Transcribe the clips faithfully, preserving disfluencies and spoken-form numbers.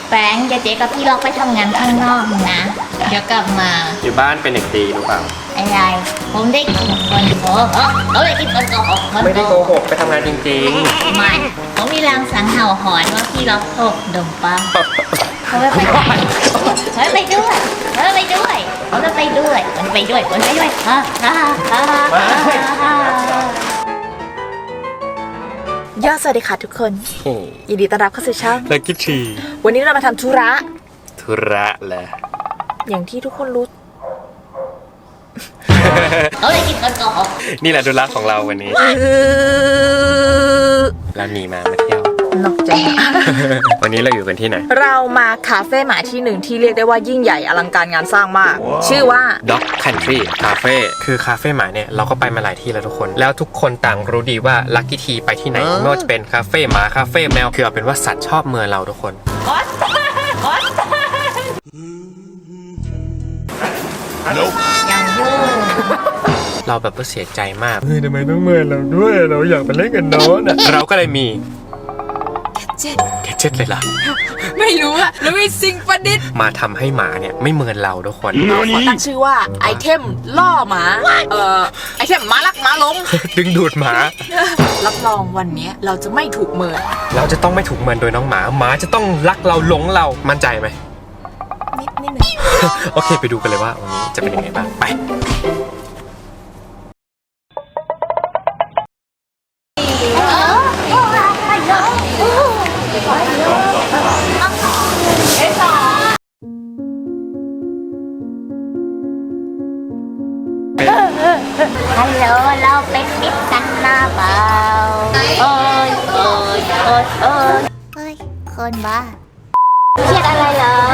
แฟรงค์เจ๊กับพี่ล็อกไปทำงานข้างนอกนะเดี๋ยวกลับมาอยู่บ้านเป็นเด็กดีรู้เปล่าอะไรผมได้กินคนโกหกเขาได้กินคนโกหกไม่ได้โกหกไปทำงานจริงๆไม่ผมมีรางสังเห่าหอนว่าพี่ล็อกโกดมปังเขาไม่ไปด้วยเขาไม่ไปด้วยเขาไม่ไปด้วยเขาจะไปด้วยมันไปด้วยมันไปด้วยฮ่าฮ่าฮ่าฮ่าย่อสวัสดีค่ะทุกคนยินดีต้อนรับเข้าสู่ช่องลักกี้ทีวันนี้เรามาทำธุระธุระแหละอย่างที่ทุกคนรู้เขาเลยกินคนโกหกนี่แหละธุระของเราวันนี้เราหนีมามาเที่ยวนอกใจวันนี้เราอยู่กันที่ไหนเรามาคาเฟ่หมาที่หนึ่งที่เรียกได้ว่ายิ่งใหญ่อลังการงานสร้างมาก ชื่อว่า Dog Country Cafe คือคาเฟ่หมาเนี่ยเราก็ไปมาหลายที่แล้วทุกคนแล้วทุกคนต่างรู้ดีว่าลักกี้ทีไปที่ไหนไม่ว่าจะเป็นคาเฟ่หมาคาเฟ่แมวคือเอาเป็นว่าสัตว์ชอบเมืองเราทุกคนอย่างยุ่งเราแบบว่าเสียใจมากเฮ้ยทำไมต้องเมินเราด้วยเราอยากไปเล่นกันโน้นอ่ะเราก็เลยมีแกเจ็ตเลยล่ะไม่รู้อะแล้วมีสิ่งประดิษฐ์มาทำให้หมาเนี่ยไม่เมินเราทุกคนเราขอตั้งชื่อว่าไอเทมล่อหมาเอ่อไอเทมหมาลักหมาล้มดึงดูดหมารับรองวันนี้เราจะไม่ถูกเมินเราจะต้องไม่ถูกเมินโดยน้องหมาหมาจะต้องรักเราหลงเรามั่นใจไหมนิดนิดหนึ่งโอเคไปดูกันเลยว่าวันนี้จะเป็นยังไงบ้างไปฮัลโหลเราเป็นมิตรกันนะเปล่าโอ้ยโอ้ยโอ้ยโอ้ยเฮ้ยคนบ้าเครียดอะไรเหรอ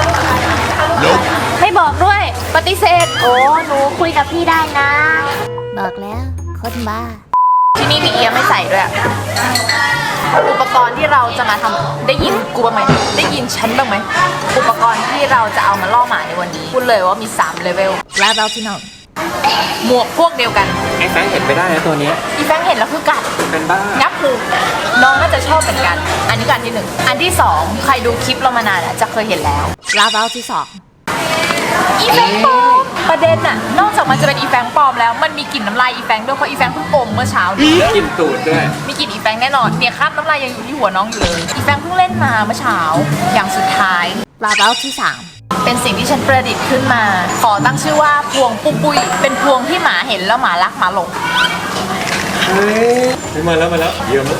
ไม่บอกด้วยปฏิเสธโอ้หนูคุยกับพี่ได้นะบอกแล้วคนบ้าที่นี่มีเอียไม่ใส่ด้วยอุปกรณ์ที่เราจะมาทำได้ยินกูบ้างไหมได้ยินฉันบ้างไหมอุปกรณ์ที่เราจะเอามาล่อหมาในวันนี้พูดเลยว่ามีสามเลเวลแล้วเราที่น้องหมวกพวกเดียวกันไอ้แฟงเห็นไปได้นะตัวนี้อีแฟงเห็นแล้วคือกัดเป็นบ้างับหูน้องน่าจะชอบเหมือนกันอันนี้กันที่หนึ่งอันที่สองใครดูคลิปเรามานานจะเคยเห็นแล้วลาเบลที่สองอีแฟงปลอมประเด็นน่ะนอกจากมันจะเป็นอีแฟงปลอมแล้วมันมีกลิ่นน้ำลายอีแฟงด้วยเพราะอีแฟงเพิ่งอมเมื่อเช้ามีกลิ่นตูดด้วยมีกลิ่นอีแฟงแน่นอนเนี่ยคราบน้ำลายยังอยู่ที่หัวน้องอยู่เลยอีแฟงเพิ่งเล่นมาเมื่อเช้าอย่างสุดท้ายลาเบลที่สามเป็นสิ่งที่ฉันประดิษฐ์ขึ้นมาขอตั้งชื่อว่าพวงปุ้ปุ้ยเป็นพวงที่หมาเห็นแล้วหมารักหมาหลงเฮ้ยมาแล้วมาแล้วเยี่ยม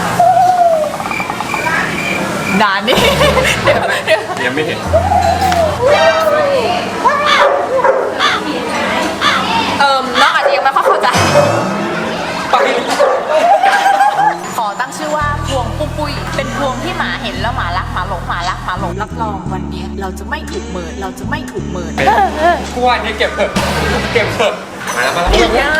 ด่านนี่ยังไม่เห็นเอิมน้องอาจจะยังไม่ค่อยเข้าใจไปขอตั้งชื่อว่าพวงปุ้ปุ้ยเป็นพวงที่หมาเห็นแล้วหมารักหมาหลงหมารักหมาหลงรับรองวันนี้เราจะไม่ถูกเมินเราจะไม่ถูกเมินกูว่านี่เก็บเถอะเก็บเถอะมาแล้วมาแล้ว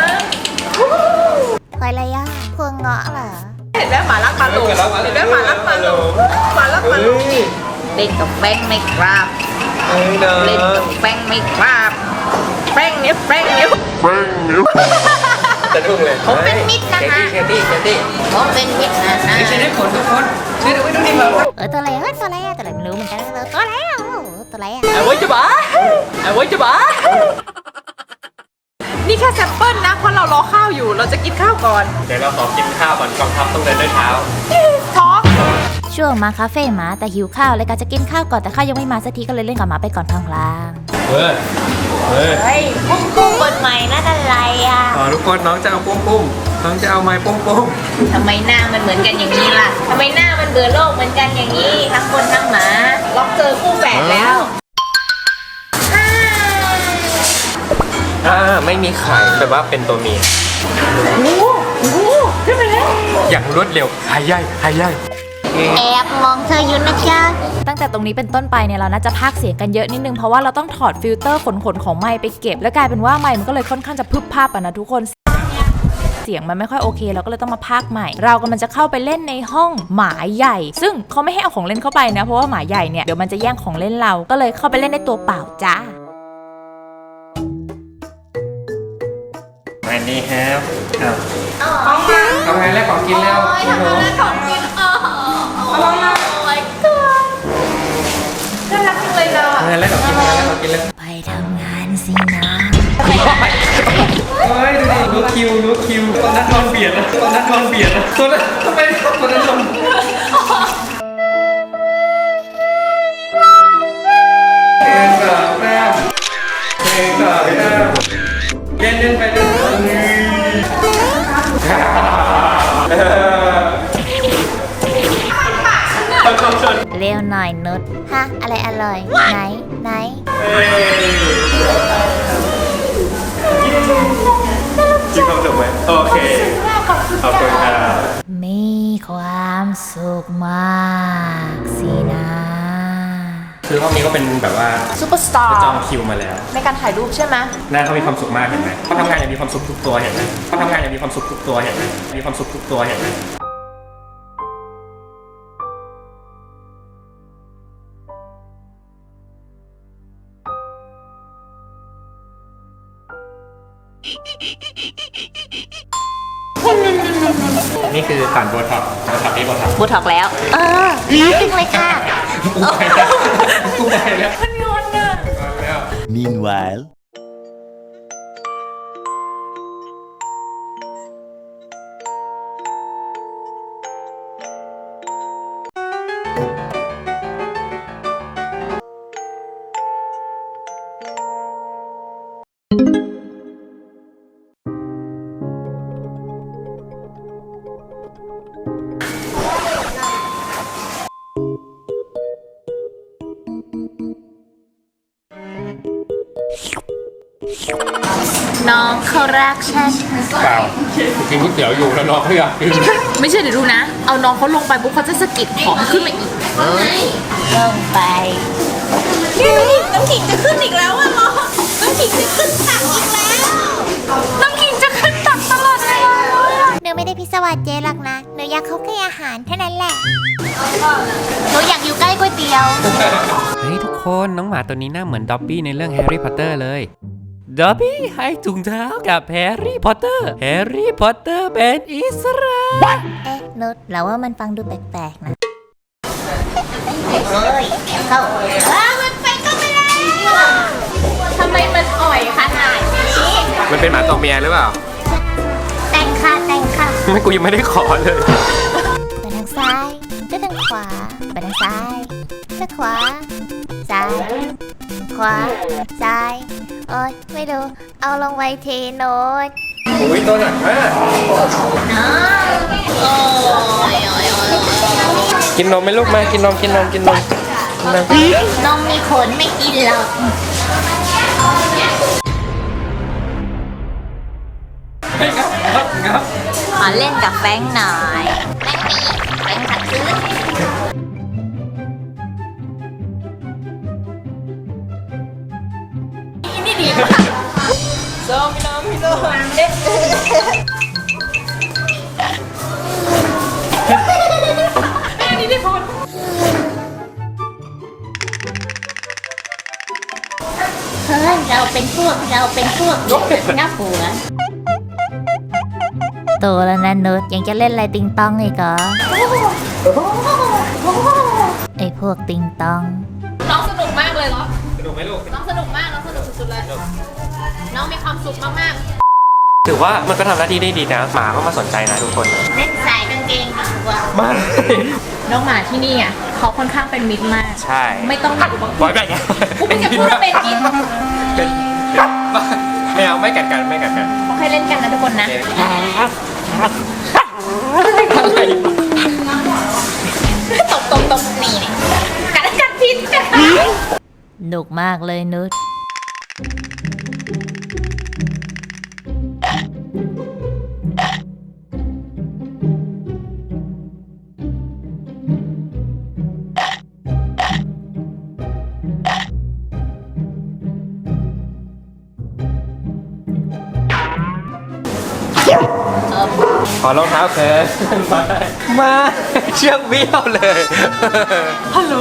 ใครอะไรอ่ะพวงเงาะเหรอเห็นไหมหมารักหมาหลงเห็นไหมหมารักหมาหลงหมารักหมาหลงเล่นกับแป้งไม่ครับเล่นกับแป้งไม่ครับแป้งนิ้วแป้งนิ้วแป้งนิ้วจะทุ่งเลยผมเป็นมิตรนะฮะเคตี้เคตี้ผมเป็นมิตรนะฮะไม่ใช่ได้ผลทุกคนช่วยดูไว้ดูดิเหรอเออตัวอะไรเฮ้ยตัวอะไรตัวอะไรไม่รู้เหมือนกันเออตัวอะไรอ่ะตัวอะไรอ่ะไอ้ไว้จะบ้าไอ้ไว้จะบ้านี่แค่แซมเปิลนะเพราะเรารอข้าวอยู่เราจะกินข้าวก่อนเดี๋ยวเราขอกินข้าวก่อนกองทัพต้องเดินด้วยเท้าท้องช่วงมาคาเฟ่หมาแต่หิวข้าวเลยก็จะกินข้าวก่อนแต่ข้าวยังไม่มาสักทีก็เลยเล่นกับหมาไปก่อนพลางเฮ้ยเฮ้ยเฮ้ยปุ้มปุ้มบทใหม่นั่นอะไรอ่ะอ๋อทุกคนน้องจะเอาปุ้มปุ้มน้องจะเอาไม้ปุ้มปุ้มทำไมหน้ามันเหมือนกันอย่างนี้ล่ะทำไมหน้ามันเบื่อโลกเหมือนกันอย่างนี้ทั้งคนทั้งหมาล็อกเจอคู่แฝดแล้วอ่าไม่มีไข่แปลว่าเป็นตัวเมียโอ้โหขึ้นไปแล้วอย่างรวดเร็วหายใหญ่หายใหญ่แอบมองเธออยู่นะจ๊ะตั้งแต่ตรงนี้เป็นต้นไปเนี่ยเราน่าจะพากย์เสียงกันเยอะนิดนึงเพราะว่าเราต้องถอดฟิลเตอร์ขนๆของไมค์ไปเก็บแล้วกลายเป็นว่าไมค์มันก็เลยค่อนข้างจะพึบภาพอ่ะนะทุกคนเสียงมันไม่ค่อยโอเคเราก็เลยต้องมาพากย์ใหม่เรากำลังจะเข้าไปเล่นในห้องหมาใหญ่ซึ่งเขาไม่ให้เอาของเล่นเข้าไปนะเพราะว่าหมาใหญ่เนี่ยเดี๋ยวมันจะแย่งของเล่นเราก็เลยเข้าไปเล่นในตัวเปล่าจ้าอันนี้ครับเอาไงแรกของกินแล้วทำไมแรกของกินอ๋อโอ้ my god ำงานแล้วขอกินงานแล้วขอกินแล้วไปทำงานสินะเฮ้ยดูดิรู้คิวรู้คิวตอนนั้นนอนเบียดนะตอนนั้นนอนเบียดนะตอนนั้นทำไมตอนนั้นนอนเพลงสามแต้มเพลงสามแต้มเล่นเล่นไปเล่นเร็วหน่อยนุชฮะอะไรอร่อยไหนไหนจริงความสุขไหมโอเคขอบคุณครับมีความสุขมากสินะคือห้องนี้ก็เป็นแบบว่าซูเปอร์สตาร์จองคิวมาแล้วในการถ่ายรูปใช่ไหมหน้าเขามีความสุขมากเห็นไหมเขาทำงานอย่างมีความสุขทุกตัวเห็นไหมเขาทำงานอย่างมีความสุขทุกตัวเห็นไหมมีความสุขทุกตัวเห็นไหมนี่คือผ่านโบท็อกซ์โบท็อกซ์นี่โบท็อกซ์บูท็อกแล้วเออจริงเลยค่ะกูไปแล้วกูไปแล้วมันงอนอ่ะ Meanwhile. น้องเขารักฉันเปล่ากินก๋วยเตี๋ยวอยู่แล้วน้องเขาอยากกินไม่ใช่เดี๋ยวดูนะ เอาน้องเขาลงไปปุ๊บเขาจะสะกิดขอให้ขึ้นมาอีกลงไปน้ำขิงจะขึ้นอีกแล้วอะน้องน้ำขิงจะขึ้นตักอีกแล้ว น้ำขิงจะขึ้นตักตลอดเวลาเลยอะหนูไม่ได้พิศวาสเจ๊หรอกนะหนูอยากเขาแค่อาหารเท่านั้นแหละหนูอยากอยู่ใกล้ก๋วยเตี๋ยวเฮ้ยทุกคนน้องหมาตัวนี้หน้าเหมือนด็อบบี้ในเรื่องแฮร์รี่พอตเตอร์เลยด็อบบี้ให้ถุงเท้ากับแฮร์รี่พอตเตอร์แฮร์รี่พอตเตอร์เป็นอิสระเอ๊ะนุชเราว่ามันฟังดูแปลกๆนะเฮ้ยเข้าอ้ามันไปก็ไม่ได้ทำไมมันอ่อยขนาดนี้มันเป็นหมาตัวเมียหรือเปล่าแต่งค่ะแต่งค่ะไม่กูยังไม่ได้ขอเลยไปทางซ้ายไปทางขวาไปทางซ้ายไปขวาซ้ายขวาซ้ายโอ๊ยไม่รู้เอาลงไว้ทีโน้ตโอ้ยตัวหนักมากน้องโอ้ยโอ้ยโอ้ยกินนมไหมลูกมากินนมกินนมกินนมกินนมนมมีขนไม่กินหรอกครับครับขอเล่นกับแฟงหน่อยแฟงหนีแฟงขัดซื้อนี่ดีมากโซมิโนมิโนเอ๊ะ อันนี้ได้พอเฮ้ยเราเป็นพวกเราเป็นพวกงับหัวโตแล้วนะนุชยังจะเล่นอะไรติงตองอีกเหรอไอพวกติงตองน้องสนุกมากเลยเหรอสนุกไหมลูกน้องสนุกมาก น้องสนุกสุดๆเลย น้องมีความสุขมากถือว่ามันก็ทำหน้าที่ได้ดีนะหมาก็มาสนใจนะทุกคนเล่นสายกางเกงดีกว่ามาๆ น้องหมาที่นี่อ่ะเขาค่อนข้างเป็นมิตรมากใช่ไม่ต้องมีอุปกบอรยณ์แบบกูไม่จะพูดว่าเป็นมิตรเป็นไม่เอาไม่กัดกันไม่กัดกันเขาให้เล่นกันนะทุกคนนะอะไรตบตบตบนี่เนี่ยกัดกัดพิษกัดหนุกมากเลยนุชขอรองเท้าเธอมามาเชือกเบี้ยวเลยฮัลโหล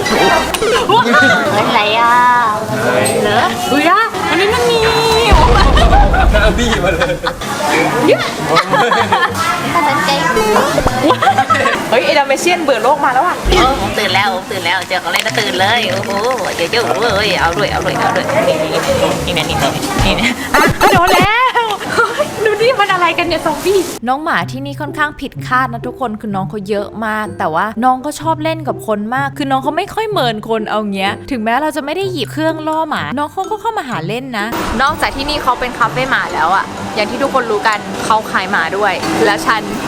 อะไรอ่ะเหรออุ้ยอ่ะอันนี้มันมีหน้าบี้มาเลยถ้าสนใจเฮ้ยเอดาเมเชียนเบื่อโลกมาแล้วอ่ะโอ้ผมตื่นแล้วผมตื่นแล้วเจอเขาเล่นก็ตื่นเลยโอ้โหเจอเจอเว้ยเอาด้วยเอาด้วยเอาด้วยนี่นี่นี่นี่นี่นี่อ่ะโดนแล้วดูนี่มันอะไรกันเนี่ยซอมบี้น้องหมาที่นี่ค่อนข้างผิดคาดนะทุกคนคือน้องเขาเยอะมาก แต่ว่าน้องก็ชอบเล่นกับคนมากคือน้องเขาไม่ค่อยเมินคนเอาเงี้ยถึงแม้เราจะไม่ได้หยิบเครื่องล่อหมาน้องเขาก็เข้ามาหาเล่นนะนอกจากที่นี่เขาเป็นคาเฟ่หมาแล้วอะอย่างที่ทุกคนรู้กันเขาขายหมาด้วย แล้วฉัน